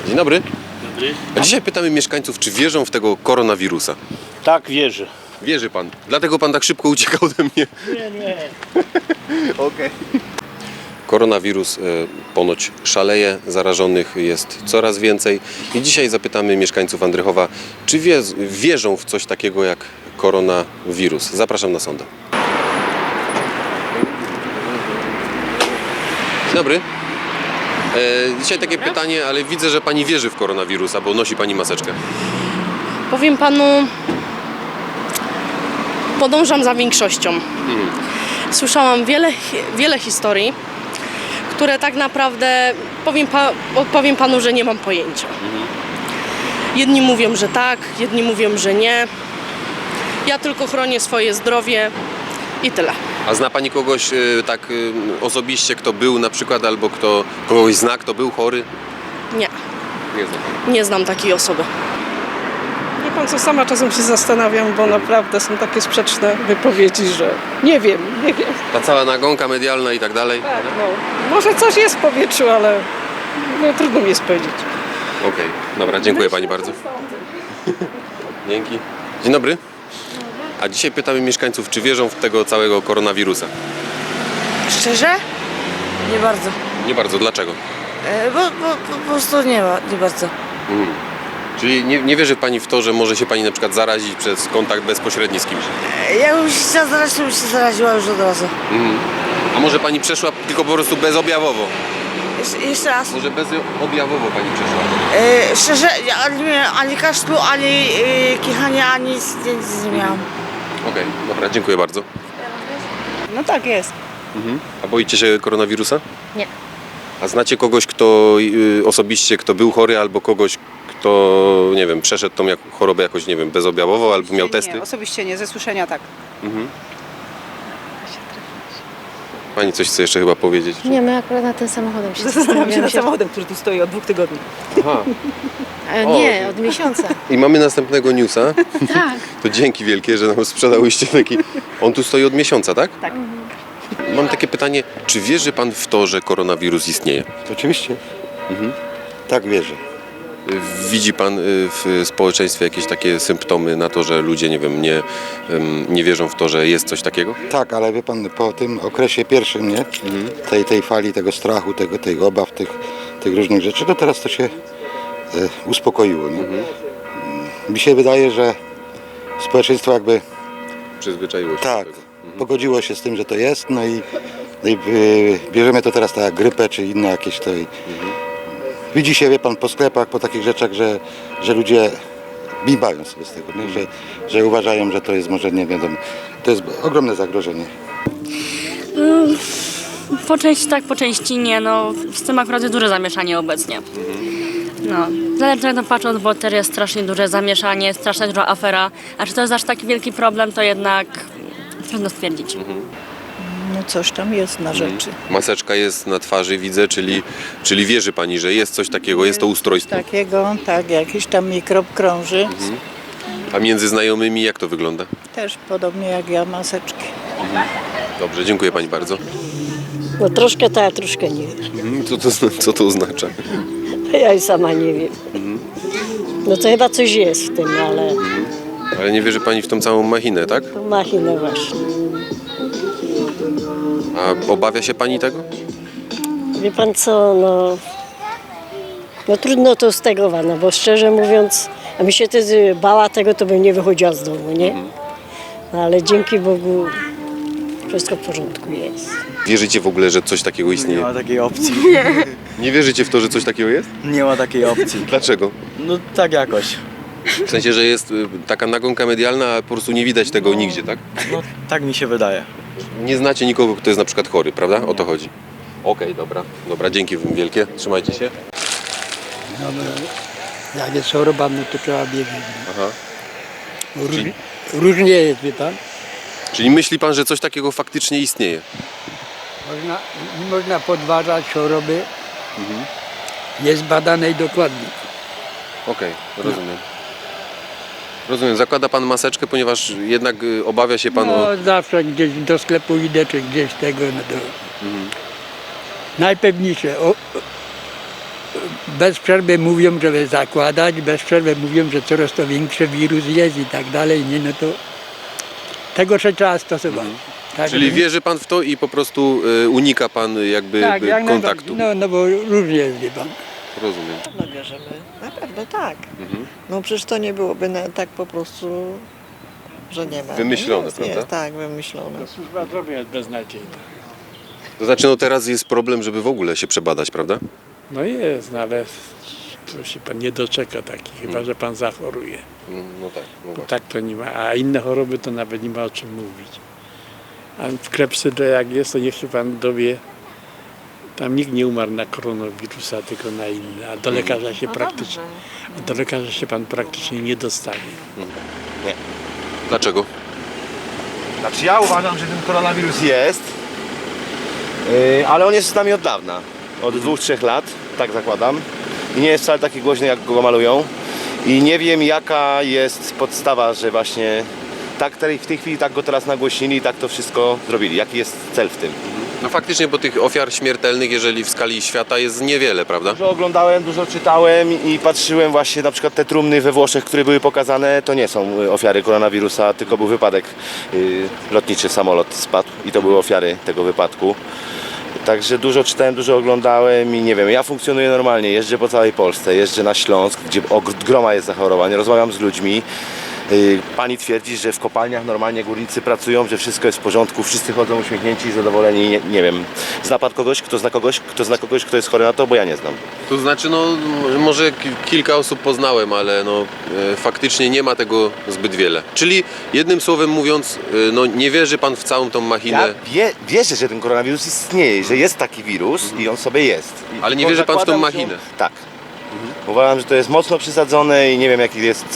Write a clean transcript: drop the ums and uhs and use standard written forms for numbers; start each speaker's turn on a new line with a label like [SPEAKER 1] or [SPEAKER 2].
[SPEAKER 1] Dzień dobry.
[SPEAKER 2] Dobry.
[SPEAKER 1] A dzisiaj pytamy mieszkańców, czy wierzą w tego koronawirusa.
[SPEAKER 2] Tak, wierzę.
[SPEAKER 1] Wierzy pan. Dlatego pan tak szybko uciekał ode mnie.
[SPEAKER 2] Nie.
[SPEAKER 1] Okej. Koronawirus ponoć szaleje, zarażonych jest coraz więcej. I dzisiaj zapytamy mieszkańców Andrychowa, czy wierzą w coś takiego jak koronawirus. Zapraszam na sondę. Dzień dobry. Dzisiaj takie pytanie, ale widzę, że pani wierzy w koronawirusa, bo nosi pani maseczkę.
[SPEAKER 3] Powiem panu, podążam za większością. Słyszałam wiele historii, które tak naprawdę odpowiem panu, że nie mam pojęcia. Jedni mówią, że tak, jedni mówią, że nie. Ja tylko chronię swoje zdrowie i tyle.
[SPEAKER 1] A zna pani kogoś tak osobiście, kto był na przykład, albo kto kogoś zna, kto był chory?
[SPEAKER 3] Nie,
[SPEAKER 1] Nie zna pani.
[SPEAKER 3] nie znam takiej osoby.
[SPEAKER 4] Wie pan co, sama czasem się zastanawiam, bo naprawdę są takie sprzeczne wypowiedzi, że nie wiem.
[SPEAKER 1] Ta cała nagonka medialna i tak dalej?
[SPEAKER 4] Tak, no, może coś jest w powietrzu, ale no, trudno mi jest powiedzieć.
[SPEAKER 1] Okej, dobra, dziękuję pani bardzo. Dzięki. Dzień dobry. A dzisiaj pytamy mieszkańców, czy wierzą w tego całego koronawirusa.
[SPEAKER 5] Szczerze? Nie bardzo.
[SPEAKER 1] Nie bardzo, dlaczego?
[SPEAKER 5] Bo po prostu nie bardzo.
[SPEAKER 1] Czyli nie wierzy pani w to, że może się pani na przykład zarazić przez kontakt bezpośredni z kimś?
[SPEAKER 5] Jakbym się chciała zarazić, to bym się zaraziła już od razu.
[SPEAKER 1] A może pani przeszła tylko po prostu bezobjawowo?
[SPEAKER 5] Jeszcze raz.
[SPEAKER 1] Może bezobjawowo pani przeszła?
[SPEAKER 5] Szczerze, ani kaszlu, ani kichania, ani nic nie miałam.
[SPEAKER 1] Okej, dobra, dziękuję bardzo.
[SPEAKER 4] No tak jest.
[SPEAKER 1] A boicie się koronawirusa?
[SPEAKER 3] Nie.
[SPEAKER 1] A znacie kogoś, kto osobiście, kto był chory, albo kogoś, kto, nie wiem, przeszedł tą chorobę jakoś, nie wiem, bezobjawowo, albo miał testy?
[SPEAKER 4] Nie, osobiście nie, ze słyszenia tak.
[SPEAKER 1] Pani coś chce jeszcze chyba powiedzieć?
[SPEAKER 6] Nie, my akurat nad tym samochodem się
[SPEAKER 4] Zastanawiam się nad
[SPEAKER 6] zastanawiamy.
[SPEAKER 4] samochodem, który tu stoi od 2 tygodni.
[SPEAKER 1] Aha.
[SPEAKER 6] Nie, od miesiąca.
[SPEAKER 1] I mamy następnego newsa.
[SPEAKER 6] Tak.
[SPEAKER 1] To dzięki wielkie, że nam sprzedałyście taki... On tu stoi od miesiąca, tak?
[SPEAKER 4] Tak.
[SPEAKER 1] Mam takie pytanie, czy wierzy pan w to, że koronawirus istnieje?
[SPEAKER 7] Oczywiście. Tak wierzę.
[SPEAKER 1] Widzi pan w społeczeństwie jakieś takie symptomy na to, że ludzie, nie wiem, nie wierzą w to, że jest coś takiego?
[SPEAKER 7] Tak, ale wie pan, po tym okresie pierwszym, nie? Tej fali, tego strachu, tych obaw, tych różnych rzeczy, to teraz to się uspokoiło. Nie? Mi się wydaje, że społeczeństwo jakby
[SPEAKER 1] Przyzwyczaiło się
[SPEAKER 7] tak,
[SPEAKER 1] do tego.
[SPEAKER 7] pogodziło się z tym, że to jest, no i bierzemy to teraz tak jak grypę, czy inne jakieś to. Widzi się, wie pan, po sklepach, po takich rzeczach, że ludzie bimbają sobie z tego, nie? Że uważają, że to jest może, nie wiadomo, to jest ogromne zagrożenie.
[SPEAKER 8] Po części tak, po części nie. No, z tym akurat jest duże zamieszanie obecnie. No, zależy jak to patrząc, bo teraz jest strasznie duże zamieszanie, strasznie duża afera. A czy to jest aż taki wielki problem, to jednak trudno stwierdzić.
[SPEAKER 4] No coś tam jest na rzeczy.
[SPEAKER 1] Maseczka jest na twarzy, widzę, czyli wierzy pani, że jest coś takiego, jest to ustrojstwo.
[SPEAKER 4] Takiego, tak, jakiś tam mikrob krąży.
[SPEAKER 1] A między znajomymi jak to wygląda?
[SPEAKER 4] Też podobnie jak ja, maseczki.
[SPEAKER 1] Dobrze, dziękuję pani bardzo.
[SPEAKER 9] No troszkę tak, troszkę nie.
[SPEAKER 1] Co to oznacza?
[SPEAKER 9] Ja i sama nie wiem. No to chyba coś jest w tym, ale
[SPEAKER 1] Ale nie wierzy pani w tą całą machinę, tak?
[SPEAKER 9] machinę właśnie.
[SPEAKER 1] A obawia się pani tego?
[SPEAKER 9] Wie pan co, no trudno to stegować, no bo szczerze mówiąc, a mi się też bała tego, to bym nie wychodziła z domu, nie? No, ale dzięki Bogu wszystko w porządku jest.
[SPEAKER 1] Wierzycie w ogóle, że coś takiego
[SPEAKER 2] Nie
[SPEAKER 1] istnieje?
[SPEAKER 2] ma takiej opcji.
[SPEAKER 1] Nie wierzycie w to, że coś takiego jest?
[SPEAKER 2] Nie ma takiej opcji.
[SPEAKER 1] Dlaczego?
[SPEAKER 2] No tak jakoś.
[SPEAKER 1] W sensie, że jest taka nagonka medialna, a po prostu nie widać tego nigdzie, tak?
[SPEAKER 2] No tak mi się wydaje.
[SPEAKER 1] Nie znacie nikogo, kto jest na przykład chory, prawda? O to chodzi. Okej, dobra. Dobra, dzięki wielkie. Trzymajcie się.
[SPEAKER 10] Jak jest choroba, no to trzeba biegać.
[SPEAKER 1] Aha.
[SPEAKER 10] Różnie jest, wie pan.
[SPEAKER 1] Czyli myśli pan, że coś takiego faktycznie istnieje?
[SPEAKER 10] Nie można podważać choroby. Jest badane i dokładnie.
[SPEAKER 1] Okej, rozumiem. Rozumiem. Zakłada pan maseczkę, ponieważ jednak obawia się pan o...
[SPEAKER 10] No zawsze gdzieś do sklepu idę, czy gdzieś tego, no to najpewniejsze. bez przerwy mówią, żeby zakładać, bez przerwy mówią, że coraz to większy wirus jest i tak dalej, nie, no to tego się trzeba stosować. Tak,
[SPEAKER 1] Czyli
[SPEAKER 10] nie?
[SPEAKER 1] wierzy pan w to i po prostu unika pan jakby
[SPEAKER 10] Tak, jak
[SPEAKER 1] kontaktu.
[SPEAKER 10] najbardziej. No bo różnie jest, wie pan.
[SPEAKER 1] Rozumiem.
[SPEAKER 11] No wierzymy, na pewno tak. No przecież to nie byłoby tak po prostu, że nie ma.
[SPEAKER 1] Wymyślone,
[SPEAKER 11] jest,
[SPEAKER 1] prawda?
[SPEAKER 11] Jest, tak, wymyślone.
[SPEAKER 10] Służba zdrowia jest beznadziejna.
[SPEAKER 1] To znaczy, no teraz jest problem, żeby w ogóle się przebadać, prawda?
[SPEAKER 10] No jest, no ale to się pan nie doczeka taki, chyba że pan zachoruje.
[SPEAKER 1] No tak, no
[SPEAKER 10] Bo
[SPEAKER 1] właśnie.
[SPEAKER 10] tak to nie ma, a inne choroby to nawet nie ma o czym mówić. A w klepsydrze jak jest, to niech się pan dowie, tam nikt nie umarł na koronawirusa, tylko na inne, a do lekarza się do lekarza się pan praktycznie nie dostanie.
[SPEAKER 1] Dlaczego?
[SPEAKER 12] Znaczy ja uważam, że ten koronawirus jest, ale on jest z nami od dawna. Od 2-3 lat, tak zakładam. I nie jest wcale taki głośny, jak go malują. I nie wiem, jaka jest podstawa, że właśnie tak w tej chwili tak go teraz nagłośnili i tak to wszystko zrobili. Jaki jest cel w tym?
[SPEAKER 1] No faktycznie, bo tych ofiar śmiertelnych, jeżeli w skali świata, jest niewiele, prawda?
[SPEAKER 12] Dużo oglądałem, dużo czytałem i patrzyłem właśnie na przykład te trumny we Włoszech, które były pokazane, to nie są ofiary koronawirusa, tylko był wypadek lotniczy, samolot spadł i to były ofiary tego wypadku. Także dużo czytałem, dużo oglądałem i nie wiem, ja funkcjonuję normalnie, jeżdżę po całej Polsce, jeżdżę na Śląsk, gdzie groma jest zachorowań, rozmawiam z ludźmi. Pani twierdzi, że w kopalniach normalnie górnicy pracują, że wszystko jest w porządku, wszyscy chodzą uśmiechnięci i zadowoleni, nie wiem. Zna pan kogoś, kto jest chory na to, bo ja nie znam.
[SPEAKER 1] To znaczy, no może kilka osób poznałem, ale no faktycznie nie ma tego zbyt wiele. Czyli jednym słowem mówiąc, no nie wierzy pan w całą tą machinę.
[SPEAKER 12] Ja wierzę, że ten koronawirus istnieje, że jest taki wirus i on sobie jest.
[SPEAKER 1] Ale nie wierzy pan w tą
[SPEAKER 12] Zakładam,
[SPEAKER 1] machinę?
[SPEAKER 12] Tak. Uważam, że to jest mocno przesadzone i nie wiem, jaki jest